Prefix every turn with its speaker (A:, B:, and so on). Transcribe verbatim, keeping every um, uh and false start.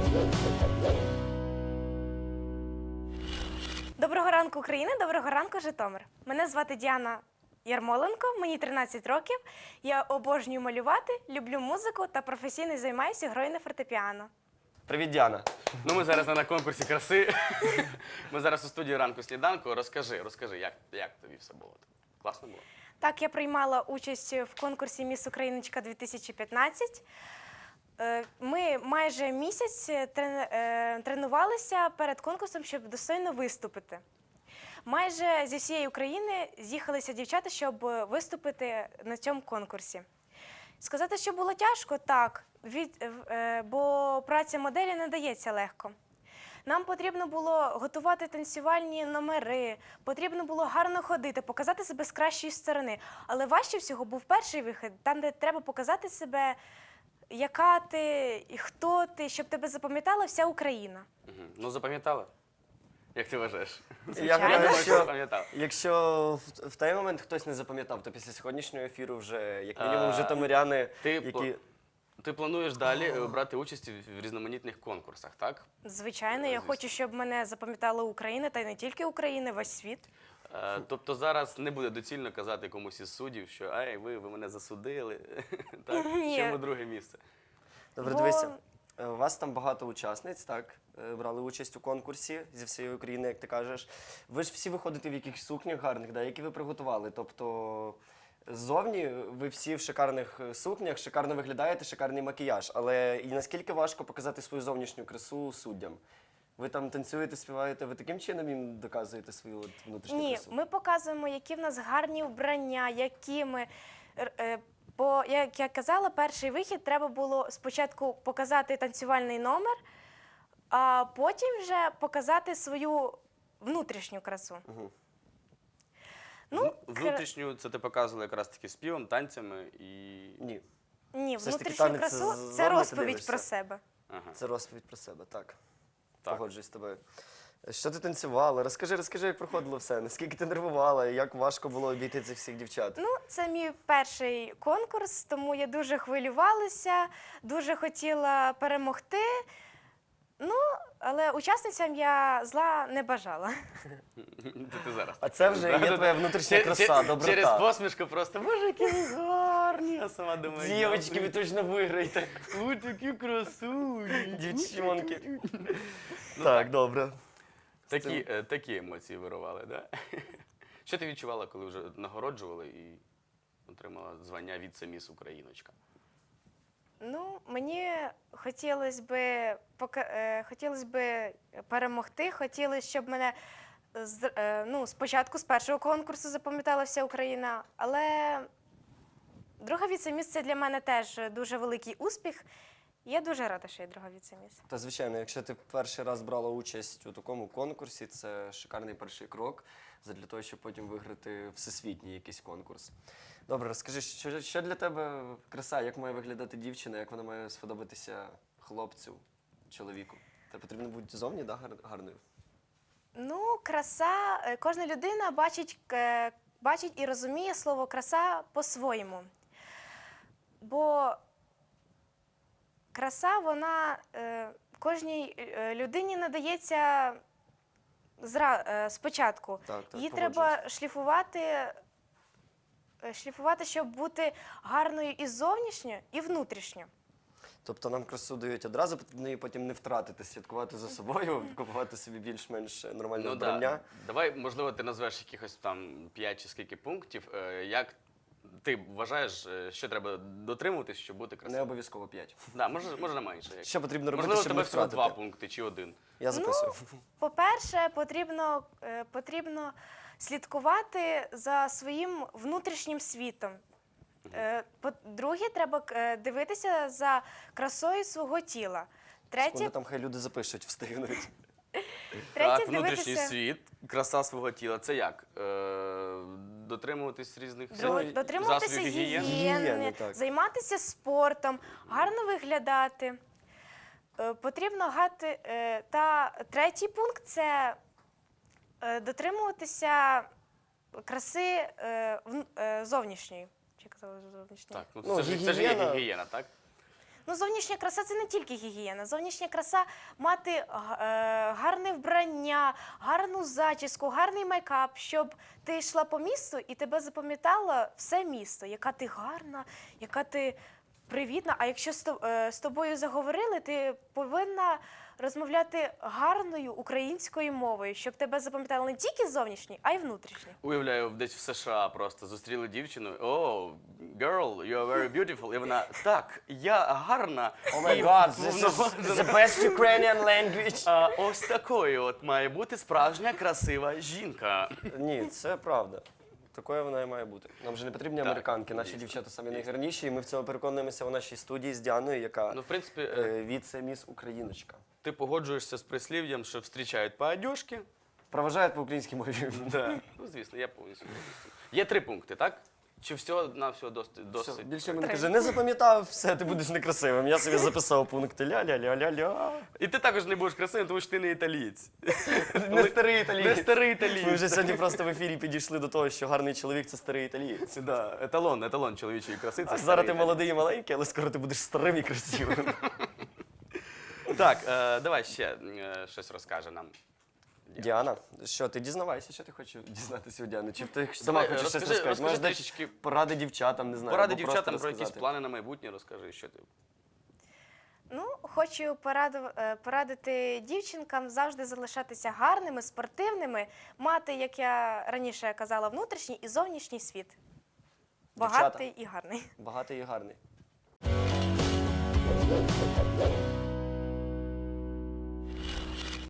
A: Доброго ранку, Україна! Доброго ранку, Житомир! Мене звати Діана Ярмоленко, мені тринадцять років. Я обожнюю малювати, люблю музику та професійно займаюся грою на фортепіано.
B: Привіт, Діана.
C: Ну, ми зараз не на конкурсі краси. Ми зараз у студії ранку сніданку. Розкажи, розкажи, як, як тобі все було? Класно було?
A: Так, я приймала участь в конкурсі «Міс Україночка дві тисячі п'ятнадцять». Е, Ми майже місяць трен- е, тренувалися перед конкурсом, щоб достойно виступити. Майже зі всієї України з'їхалися дівчата, щоб виступити на цьому конкурсі. Сказати, що було тяжко, так, від, е, бо праця моделі не дається легко. Нам потрібно було готувати танцювальні номери, потрібно було гарно ходити, показати себе з кращої сторони. Але важче всього був перший вихід, там, де треба показати себе, яка ти, і хто ти, щоб тебе запам'ятала вся Україна.
C: Угу. Ну, запам'ятала? Як ти вважаєш?
B: Я
A: Звичайно.
B: гадаю,
C: думаю, що
B: що
C: запам'ятав.
B: якщо в, в той момент хтось не запам'ятав, то після сьогоднішнього ефіру вже, як мінімум,
C: А,
B: житомиряни,
C: ти
B: які...
C: по- Ти плануєш далі е, брати участь в різноманітних конкурсах, так?
A: Звичайно, я
C: Звісно.
A: хочу, щоб мене запам'ятала Україна, та й не тільки Україна, весь світ.
C: Е, Тобто зараз не буде доцільно казати комусь із суддів, що «Ей, ви, ви мене засудили». Так?
A: Ні.
C: Чому друге місце?
B: Добре,
A: Бо-
B: дивися, е, у вас там багато учасниць, так? Е, Брали участь у конкурсі зі всієї України, як ти кажеш. Ви ж всі виходите в якихось сукнях гарних, да, які ви приготували. Тобто ззовні ви всі в шикарних е, сукнях, шикарно виглядаєте, шикарний макіяж. Але і наскільки важко показати свою зовнішню красу суддям? Ви там танцюєте, співаєте, ви таким чином їм доказуєте свою от внутрішню
A: Ні,
B: красу?
A: ми показуємо, які в нас гарні вбрання, які ми. р- е, Бо, як я казала, перший вихід треба було спочатку показати танцювальний номер, а потім вже показати свою внутрішню красу.
B: Мгм.
A: Ну,
C: Вну-
A: кра-
C: Внутрішню це ти показувала якраз таки співом, танцями і...
B: Ні,
A: Ні,
B: все ж таки
A: внутрішню
B: танець
A: красу
B: ззовні
A: це
B: ти
A: розповідь
B: дивишся.
A: про себе.
C: Ага.
B: це розповідь про себе, так.
C: Так.
B: Погоджуюсь з тобою. Що ти танцювала? Розкажи, розкажи, як проходило все. Наскільки ти нервувала, як важко було обійти цих всіх дівчат?
A: Ну, це мій перший конкурс, тому я дуже хвилювалася, дуже хотіла перемогти. Ну, але учасницям я зла не бажала.
C: Це ти зараз.
B: А це вже є твоя внутрішня
C: Чер-
B: краса,
C: чер-
B: доброта.
C: Через посмішку просто, боже, які ви гарні, а сама думаю,
B: Дівчатки, ви точно виграєте.
C: ой, такі красуні.
B: Дівчонки. Так, добре.
C: Такі, е, такі емоції вирували, да? Що ти відчувала, коли вже нагороджували і отримала звання віце-міс Україночка?
A: Ну, мені хотілося би, пока- е, хотілося би перемогти, хотілося, щоб мене з, е, ну, спочатку з першого конкурсу запам'ятала вся Україна, але друга віце-міс – це для мене теж дуже великий успіх. Я дуже рада, що я друга віце-міс.
B: Та звичайно, якщо ти перший раз брала участь у такому конкурсі, це шикарний перший крок для того, щоб потім виграти всесвітній якийсь конкурс. Добре, розкажи, що, що для тебе краса, як має виглядати дівчина, як вона має сподобатися хлопцю, чоловіку? Та потрібно бути зовні, да, гар- гарною?
A: Ну, краса, е, кожна людина бачить, е, бачить і розуміє слово краса по-своєму. Бо краса, вона е, кожній е, людині надається зра, е, спочатку.
B: Так, так,
A: Її
B: погоджуюсь.
A: треба шліфувати, е, шліфувати, щоб бути гарною і зовнішньо, і внутрішньо.
B: Тобто нам красу дають одразу, потрібно її потім не втратити, слідкувати за собою, купувати собі більш-менш нормальне
C: Ну
B: вбрання.
C: да. Давай, можливо, ти назвеш якихось там п'ять чи скільки пунктів. е, Як ти вважаєш, е, що треба дотримуватись, щоб бути
B: Не
C: красивим?
B: обов'язково п'ять.
C: Да, може, може менше. як-
B: Що потрібно робити,
C: Можливо,
B: щоб
C: тебе
B: не
C: всього
B: втратити?
C: два пункти чи один.
B: Я записую.
A: По-перше, потрібно, е, потрібно слідкувати за своїм внутрішнім світом. Е, По-друге, треба е, дивитися за красою свого тіла.
B: Секунду,
A: Третє,
B: там хай люди запишуть, встигнуть.
A: третє
C: Так, внутрішній
A: дивитися,
C: світ, краса свого тіла. Це як? Е, дотримуватись різних
A: Друге,
C: засобів
A: дотримуватися
C: гігієни?
A: гігієни,
B: Гігієни, так.
A: займатися спортом, гарно виглядати. Е, Потрібно гати. е, Та третій пункт це е, дотримуватися краси е, вн- е, зовнішньої. Чи я казала зовнішньої?
C: Так, ну,
B: Ну,
C: це, ж, це ж є
B: гігієна.
C: гігієна, так?
A: Ну, зовнішня краса це не тільки гігієна. Зовнішня краса мати е, гарне вбрання, гарну зачіску, гарний мейкап, щоб ти йшла по місту і тебе запам'ятало все місто, яка ти гарна, яка ти привітна. А якщо з то- е, з тобою заговорили, ти повинна розмовляти гарною українською мовою, щоб тебе запам'ятали не тільки зовнішні, а й внутрішні.
C: Уявляю, десь в США просто зустріли дівчину. О, girl, you are very beautiful. І вона, так, я гарна.
B: О май
C: і
B: гад, this is
C: повноважена».
B: the best Ukrainian language.
C: А ось такою от має бути справжня красива жінка.
B: Ні, це правда. Такою вона і має бути. Нам вже не потрібні
C: Так,
B: американки, наші
C: дійсно,
B: дівчата самі найгарніші, і ми в цьому переконуємося у нашій студії з Діаною, яка
C: Ну, в принципі, е,
B: е, віце-міс Україночка.
C: ти погоджуєшся з прислів'ям, що зустрічають по одежці.
B: Проважають по українській мові.
C: Да. Ну, звісно, я повністю. повністю. Є три пункти, так? Чи всього на всього досить?
B: Все,
C: досить?
B: більше мені каже, не запам'ятав, все, ти будеш некрасивим. Я собі записав пункти ля-ля-ля-ля-ля.
C: І ти також не будеш красивим, тому що ти не італієць.
B: Не старий італієць.
C: Не старий
B: Ми
C: італієць.
B: вже сьогодні просто в ефірі підійшли до того, що гарний чоловік це старий італієць.
C: Да, еталон, еталон чоловічої краси. Це
B: А зараз
C: старий
B: ти
C: італієць.
B: молодий і маленький, але скоро ти будеш старим і красивим.
C: Так, е, давай ще е, щось розкаже нам.
B: Діана, що ти дізнавайся, що ти хочеш дізнатися у Діани? Чи ти сама
C: Давай,
B: хочеш щось
C: розкажи-
B: розказати?
C: розкажи
B: Можеш дати
C: трішечки-
B: поради дівчатам, не знаю.
C: Поради
B: або просто
C: дівчатам про якісь
B: розказати.
C: плани на майбутнє розкажи, що ти.
A: Ну, хочу пораду- е, порадити дівчинкам завжди залишатися гарними, спортивними, мати, як я раніше казала, внутрішній і зовнішній світ. Багатий і гарний.
B: Багатий і гарний.